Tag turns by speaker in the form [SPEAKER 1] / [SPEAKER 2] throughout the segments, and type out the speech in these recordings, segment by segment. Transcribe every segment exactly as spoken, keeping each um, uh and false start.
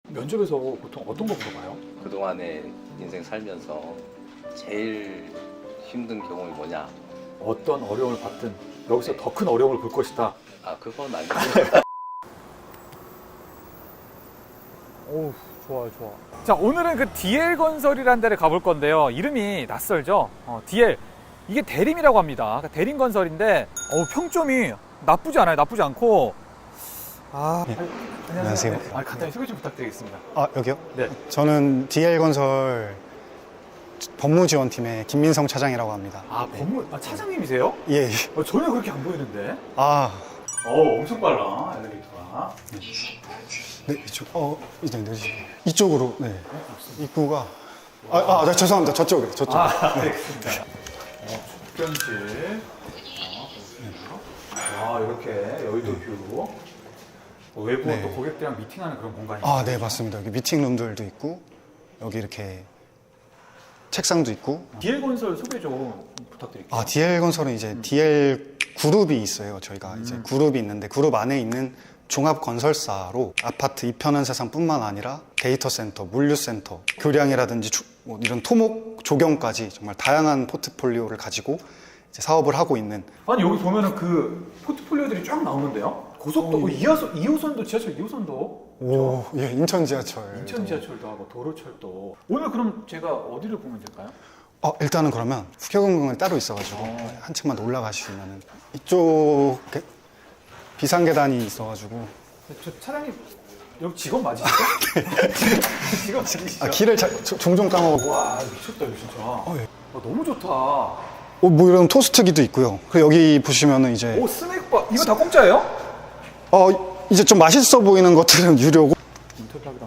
[SPEAKER 1] 면접에서 보통 어떤 거 물어봐요?
[SPEAKER 2] 그동안에 인생 살면서 제일 힘든 경험이 뭐냐?
[SPEAKER 1] 어떤 어려움을 받든 여기서
[SPEAKER 2] 네.
[SPEAKER 1] 더 큰 어려움을 볼 것이다.
[SPEAKER 2] 아 그건 아니고
[SPEAKER 1] 오, 좋아요, 좋아. 자, 오늘은 그 디엘건설이라는 데를 가볼 건데요. 이름이 낯설죠? 어, 디엘. 이게 대림이라고 합니다. 그러니까 대림건설인데, 어, 평점이 나쁘지 않아요. 나쁘지 않고. 아,
[SPEAKER 3] 네.
[SPEAKER 1] 아,
[SPEAKER 3] 안녕하세요.
[SPEAKER 1] 아, 간단히 소개 좀 부탁드리겠습니다.
[SPEAKER 3] 아, 여기요?
[SPEAKER 1] 네.
[SPEAKER 3] 저는 디엘건설 법무지원팀의 김민성 차장이라고 합니다.
[SPEAKER 1] 아, 법무, 아, 차장님이세요?
[SPEAKER 3] 예.
[SPEAKER 1] 어, 전혀 그렇게 안 보이는데.
[SPEAKER 3] 아,
[SPEAKER 1] 어, 엄청 빨라, 엘리베이터가.
[SPEAKER 3] 네, 이쪽. 어, 이제 내리시고. 이쪽으로, 네. 입구가. 아, 아, 네, 죄송합니다. 저쪽에, 저쪽.
[SPEAKER 1] 아, 알겠습니다. 어, 접견실. 아, 이렇게 여의도 뷰. 어, 외부
[SPEAKER 3] 네.
[SPEAKER 1] 또 고객들이랑 미팅하는 그런 공간이.
[SPEAKER 3] 아, 네, 맞습니다. 여기 미팅룸들도 있고, 여기 이렇게 책상도 있고.
[SPEAKER 1] 디엘건설 소개 좀 부탁드릴게요.
[SPEAKER 3] 아, 디엘건설은 이제 디엘 그룹이 있어요. 저희가 이제
[SPEAKER 1] 음.
[SPEAKER 3] 그룹이 있는데, 그룹 안에 있는 종합건설사로 아파트 이편한 세상뿐만 아니라 데이터 센터, 물류센터, 교량이라든지 주- 뭐 이런 토목, 조경까지 정말 다양한 포트폴리오를 가지고 이제 사업을 하고 있는.
[SPEAKER 1] 아니, 여기 보면은 그 포트폴리오들이 쫙 나오는데요? 고속도로,
[SPEAKER 3] 어,
[SPEAKER 1] 이 호선, 이 호선도 지하철 이 호선도.
[SPEAKER 3] 오, 예, 인천 지하철.
[SPEAKER 1] 인천 지하철도 하고 도로철도. 오늘 그럼 제가 어디를 보면 될까요?
[SPEAKER 3] 어, 일단은 그러면 국회공항이 따로 있어가지고
[SPEAKER 1] 어.
[SPEAKER 3] 한층만 더 올라가시면은 이쪽 게- 비상계단이 있어가지고.
[SPEAKER 1] 저 차장님, 여기 직원 맞으시죠? 직원 맞으시죠?
[SPEAKER 3] 아, 길을 자- 조- 종종 까먹고.
[SPEAKER 1] 와, 미쳤다, 이거 진짜.
[SPEAKER 3] 어, 예.
[SPEAKER 1] 아, 너무 좋다.
[SPEAKER 3] 어, 뭐 이런 토스트기도 있고요. 그리고 여기 보시면은 이제
[SPEAKER 1] 오, 스낵바. 이거 다 공짜예요?
[SPEAKER 3] 어, 이제 좀 맛있어 보이는 것들은 유료고.
[SPEAKER 1] 인터뷰하기도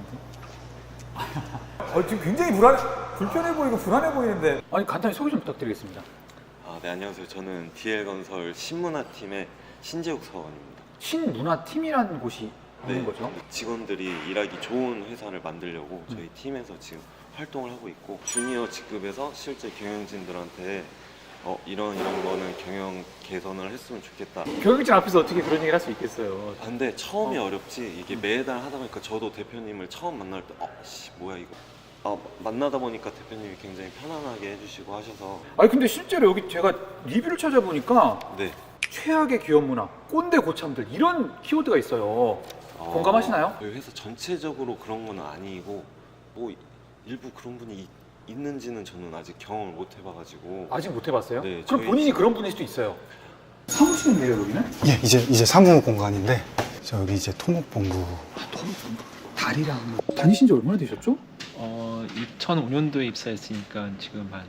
[SPEAKER 1] 하고. 어, 지금 굉장히 불안, 불편해 보이고 불안해 보이는데. 아니, 간단히 소개 좀 부탁드리겠습니다.
[SPEAKER 4] 아, 네, 안녕하세요. 저는 디엘건설 신문화팀의 신재욱 사원입니다.
[SPEAKER 1] 신문화팀이라는 곳이 있는 거죠?
[SPEAKER 4] 직원들이 일하기 좋은 회사를 만들려고 저희 팀에서 지금 활동을 하고 있고, 주니어 직급에서 실제 경영진들한테 어, 이런 이런 거는 경영 개선을 했으면 좋겠다.
[SPEAKER 1] 경영진 앞에서 어떻게 그런 얘기를 할 수 있겠어요?
[SPEAKER 4] 아, 근데 처음이 어. 렵지 이게 매달 하다 보니까 저도 대표님을 처음 만날 때 어, 씨, 뭐야 이거. 아, 만나다 보니까 대표님이 굉장히 편안하게 해주시고 하셔서.
[SPEAKER 1] 아니, 근데 실제로 여기 제가 리뷰를 찾아보니까
[SPEAKER 4] 네.
[SPEAKER 1] 최악의 기업 문화, 꼰대 고참들 이런 키워드가 있어요.
[SPEAKER 4] 어,
[SPEAKER 1] 공감하시나요?
[SPEAKER 4] 저희 회사 전체적으로 그런 건 아니고 뭐 일부 그런 분이 있, 있는지는 저는 아직 경험을 못 해봐가지고.
[SPEAKER 1] 아직 못 해봤어요?
[SPEAKER 4] 네,
[SPEAKER 1] 그럼
[SPEAKER 4] 저희-
[SPEAKER 1] 본인이 그런 분일 수도 있어요. 사무실인데요, 여기는?
[SPEAKER 3] 예, 이제 이제 사무 공간인데 저 여기 이제 토목본부.
[SPEAKER 1] 다리랑 다니신 지 얼마나 되셨죠?
[SPEAKER 5] 어, 이천오 년도에 입사했으니까 지금 한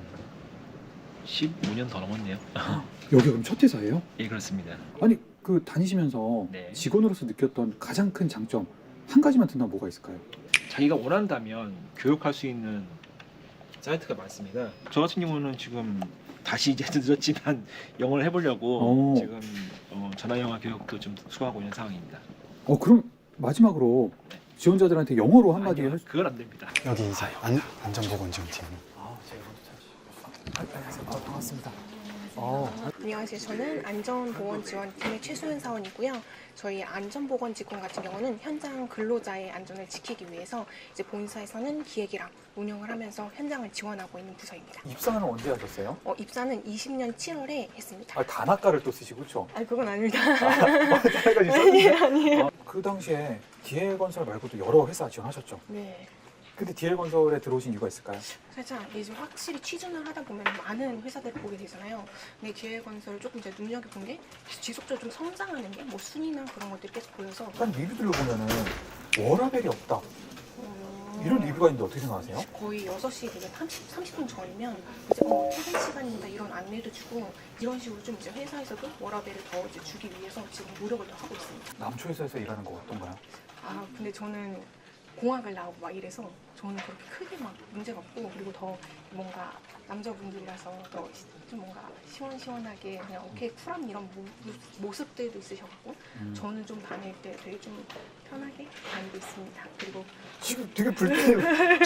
[SPEAKER 5] 십오 년 더 넘었네요.
[SPEAKER 1] 여기 그럼 첫 회사예요?
[SPEAKER 5] 예, 그렇습니다.
[SPEAKER 1] 아니, 그 다니시면서
[SPEAKER 5] 네.
[SPEAKER 1] 직원으로서 느꼈던 가장 큰 장점 한 가지만 든다면 뭐가 있을까요?
[SPEAKER 5] 자기가 원한다면 교육할 수 있는 사이트가 많습니다. 저 같은 경우는 지금 다시 이제 늦었지만 영어를 해보려고
[SPEAKER 1] 오.
[SPEAKER 5] 지금 어, 전화 영어 교육도 좀 수강하고 있는 상황입니다.
[SPEAKER 1] 어, 그럼 마지막으로 지원자들한테 영어로 한마디
[SPEAKER 5] 아니요,
[SPEAKER 1] 할 수...
[SPEAKER 5] 그건 안 됩니다.
[SPEAKER 3] 여기 이제 안, 안전보건지원팀.
[SPEAKER 1] 아, 제가 먼저 찾으시죠. 안녕하세요. 아, 반갑습니다. 어,
[SPEAKER 6] 안녕하세요. 저는 안전보건지원팀의 최수연 사원이고요. 저희 안전보건직원 같은 경우는 현장 근로자의 안전을 지키기 위해서 이제 본사에서는 기획이랑 운영을 하면서 현장을 지원하고 있는 부서입니다.
[SPEAKER 1] 입사는 언제 하셨어요?
[SPEAKER 6] 어, 입사는 이십 년 칠월에 했습니다.
[SPEAKER 1] 아, 단학과를 또 쓰시고 그렇죠?
[SPEAKER 6] 아, 그건 아닙니다.
[SPEAKER 1] 단학과
[SPEAKER 6] 아니에요, 아니에요.
[SPEAKER 1] 그 당시에 디엘건설 말고도 여러 회사 지원하셨죠?
[SPEAKER 6] 네.
[SPEAKER 1] 근데 디엘건설에 들어오신 이유가 있을까요?
[SPEAKER 6] 살짝 이제 확실히 취준을 하다 보면 많은 회사들을 보게 되잖아요. 근데 기획건설을 조금 이제 눈여겨본 게 지속적으로 좀 성장하는 게 뭐 순위나 그런 것들이 계속 보여서
[SPEAKER 1] 약간 리뷰들로 보면은 워라벨이 없다
[SPEAKER 6] 어,
[SPEAKER 1] 이런 리뷰가 있는데 어떻게 생각하세요?
[SPEAKER 6] 거의 여섯 시 되게 삼십, 삼십 분 전이면 이제 어, 퇴근 시간입니다 이런 안내도 주고 이런 식으로 좀 이제 회사에서도 워라벨을 더 이제 주기 위해서 지금 노력을 더 하고 있습니다.
[SPEAKER 1] 남초회사에서 일하는 거 어떤가요?
[SPEAKER 6] 아 근데 저는 공학을 나오고 막 이래서 저는 그렇게 크게 막 문제가 없고 그리고 더 뭔가 남자분들이라서 더 좀 뭔가 시원시원하게 그냥 오케이 쿨한 이런 모, 모습들도 있으셔갖고
[SPEAKER 1] 음.
[SPEAKER 6] 저는 좀 다닐 때 되게 좀 편하게 다니고 있습니다. 그리고
[SPEAKER 1] 지금 되게 불편해요.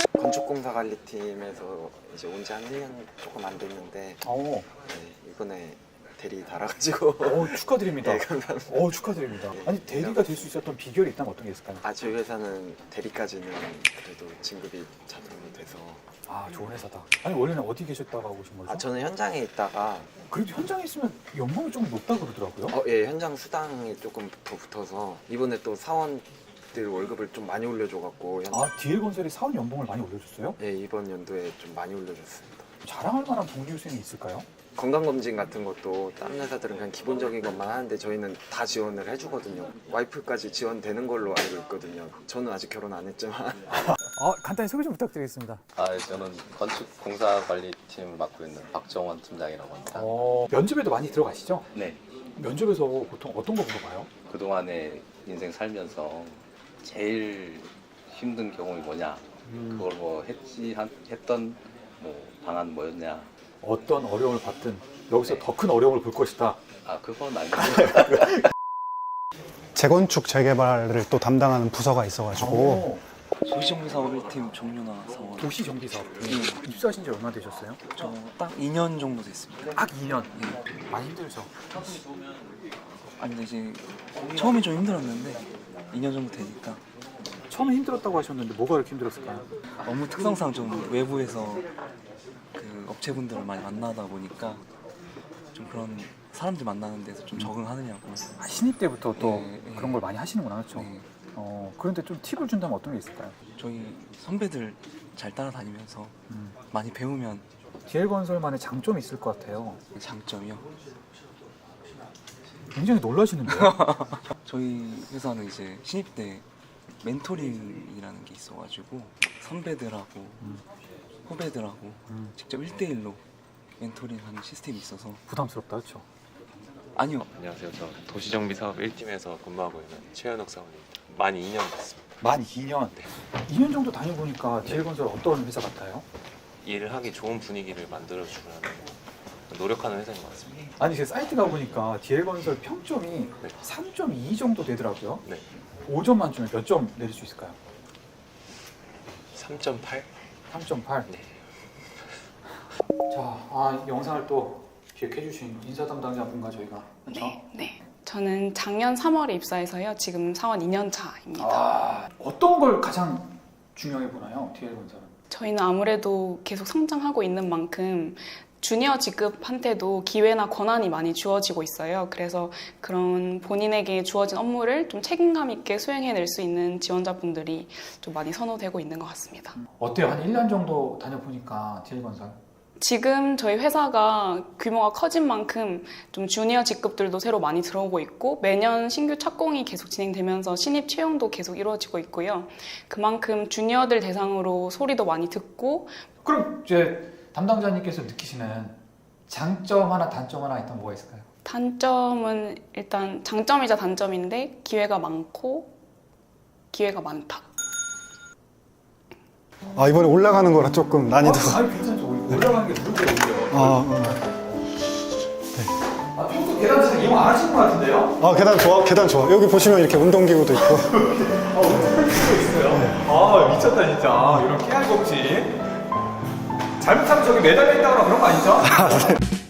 [SPEAKER 7] 건축공사관리팀에서 이제 온 지 한 일 년 조금 안 됐는데
[SPEAKER 1] 어,
[SPEAKER 7] 네, 이번에 대리 달아가지고
[SPEAKER 1] 오, 축하드립니다.
[SPEAKER 7] 네, 감사합니다.
[SPEAKER 1] 오, 축하드립니다. 아니, 대리가 될 수 있었던 비결이 있다면 어떤 게 있을까요?
[SPEAKER 7] 아 저희 회사는 대리까지는 그래도 진급이 자동으로 돼서
[SPEAKER 1] 아, 좋은 회사다. 아니, 원래는 어디 계셨다가 오신 거죠?
[SPEAKER 7] 아 저는 현장에 있다가
[SPEAKER 1] 그래도 현장에 있으면 연봉이 조금 높다 그러더라고요.
[SPEAKER 7] 어, 예 현장 수당이 조금 더 붙어서 이번에 또 사원들 월급을 좀 많이 올려줘갖고 현...
[SPEAKER 1] 아, 디엘건설이 사원 연봉을 많이 올려줬어요?
[SPEAKER 7] 예 이번 연도에 좀 많이 올려줬습니다.
[SPEAKER 1] 자랑할 만한 동기 유생이 있을까요?
[SPEAKER 7] 건강검진 같은 것도 다른 회사들은 그냥 기본적인 것만 하는데 저희는 다 지원을 해주거든요. 와이프까지 지원되는 걸로 알고 있거든요. 저는 아직 결혼 안 했지만
[SPEAKER 1] 아, 간단히 소개 좀 부탁드리겠습니다.
[SPEAKER 2] 아, 저는 건축공사관리팀 맡고 있는 박정원 팀장이라고 합니다.
[SPEAKER 1] 어, 면접에도 많이 들어가시죠?
[SPEAKER 2] 네,
[SPEAKER 1] 면접에서 보통 어떤 거 물어봐요?
[SPEAKER 2] 그동안에 인생 살면서 제일 힘든 경험이 뭐냐, 그걸 뭐 했지 한- 했던 뭐 방안 뭐였냐.
[SPEAKER 1] 어떤 어려움을 받든 여기서
[SPEAKER 2] 네.
[SPEAKER 1] 더 큰 어려움을 볼 것이다.
[SPEAKER 2] 아, 그건 아니고
[SPEAKER 3] 재건축 재개발을 또 담당하는 부서가 있어가지고
[SPEAKER 1] 오,
[SPEAKER 8] 도시정비사업 일 팀 정윤아 사원.
[SPEAKER 1] 도시정비사업.
[SPEAKER 8] 네.
[SPEAKER 1] 입사하신 지 얼마나 되셨어요?
[SPEAKER 8] 저 딱 이 년 정도 됐습니다.
[SPEAKER 1] 딱 이 년. 많이 힘들죠?
[SPEAKER 8] 아니 근데 이제 처음에 좀 힘들었는데 이 년 정도 되니까
[SPEAKER 1] 처음에 힘들었다고 하셨는데 뭐가 그렇게 힘들었을까요?
[SPEAKER 8] 업무 특성상 좀 외부에서 그 업체분들을 많이 만나다 보니까 좀 그런 사람들 만나는 데서 좀 적응하느냐고.
[SPEAKER 1] 아, 신입 때부터 또
[SPEAKER 8] 네, 네.
[SPEAKER 1] 그런 걸 많이 하시는구나, 그렇죠?
[SPEAKER 8] 네.
[SPEAKER 1] 어, 그런데 좀 팁을 준다면 어떤 게 있을까요?
[SPEAKER 8] 저희 선배들 잘 따라다니면서
[SPEAKER 1] 음.
[SPEAKER 8] 많이 배우면
[SPEAKER 1] 디엘건설만의 장점이 있을 것 같아요.
[SPEAKER 8] 장점이요.
[SPEAKER 1] 굉장히 놀라시는데요?
[SPEAKER 8] 저희 회사는 이제 신입 때 멘토링이라는 게 있어가지고 선배들하고 후배들하고
[SPEAKER 1] 음.
[SPEAKER 8] 직접 일 대일로 멘토링하는 시스템이 있어서.
[SPEAKER 1] 부담스럽다, 그렇죠?
[SPEAKER 8] 아니요,
[SPEAKER 4] 안녕하세요. 저 도시정비사업 일 팀에서 근무하고 있는 최현욱 사원입니다. 만 이 년 됐습니다.
[SPEAKER 1] 만 이 년. 이 년 정도 다녀보니까 디엘건설 어떤 회사 같아요?
[SPEAKER 4] 일을 하기 좋은 분위기를 만들어주는 노력하는 회사인 것 같습니다.
[SPEAKER 1] 아니, 제 사이트 가보니까 디엘건설 평점이
[SPEAKER 4] 네.
[SPEAKER 1] 삼 점 이 정도 되더라고요.
[SPEAKER 4] 네,
[SPEAKER 1] 오 점 만점에 몇 점 내릴 수 있을까요?
[SPEAKER 4] 삼 점 팔?
[SPEAKER 1] 삼 점 팔.
[SPEAKER 4] 네.
[SPEAKER 1] 자, 아, 영상을 또 기획해주신 인사 담당자분과 저희가 그렇죠?
[SPEAKER 9] 네, 네. 저는 작년 삼월에 입사해서요. 지금 사원 이 년 차입니다.
[SPEAKER 1] 아, 어떤 걸 가장 중요해 보나요, 디엘건설은?
[SPEAKER 9] 저희는 아무래도 계속 성장하고 있는 만큼 주니어 직급한테도 기회나 권한이 많이 주어지고 있어요. 그래서 그런 본인에게 주어진 업무를 좀 책임감 있게 수행해낼 수 있는 지원자분들이 좀 많이 선호되고 있는 것 같습니다.
[SPEAKER 1] 어때요? 한 일 년 정도 다녀보니까 디엘건설?
[SPEAKER 9] 지금 저희 회사가 규모가 커진 만큼 좀 주니어 직급들도 새로 많이 들어오고 있고 매년 신규 착공이 계속 진행되면서 신입 채용도 계속 이루어지고 있고요. 그만큼 주니어들 대상으로 소리도 많이 듣고.
[SPEAKER 1] 그럼 이제 담당자님께서 느끼시는 장점 하나, 단점 하나 있다면 뭐가 있을까요?
[SPEAKER 9] 단점은 일단 장점이자 단점인데 기회가 많고 기회가 많다.
[SPEAKER 3] 아 이번에 올라가는 거라 조금 난이도가
[SPEAKER 1] 아니, 괜찮죠. 올라가는 게 누구예요, 오히려?
[SPEAKER 3] 아, 어.
[SPEAKER 1] 아, 평소 계단 잘 이용 안 하시는 것 같은데요?
[SPEAKER 3] 아 계단 좋아 계단 좋아 여기 보시면 이렇게 운동기구도 있고
[SPEAKER 1] 아, 운동기구 있어요? 아, 미쳤다, 진짜. 이런 깨알 법칙. 잘못하면 저기 매달려 있다거나 그런 거 아니죠?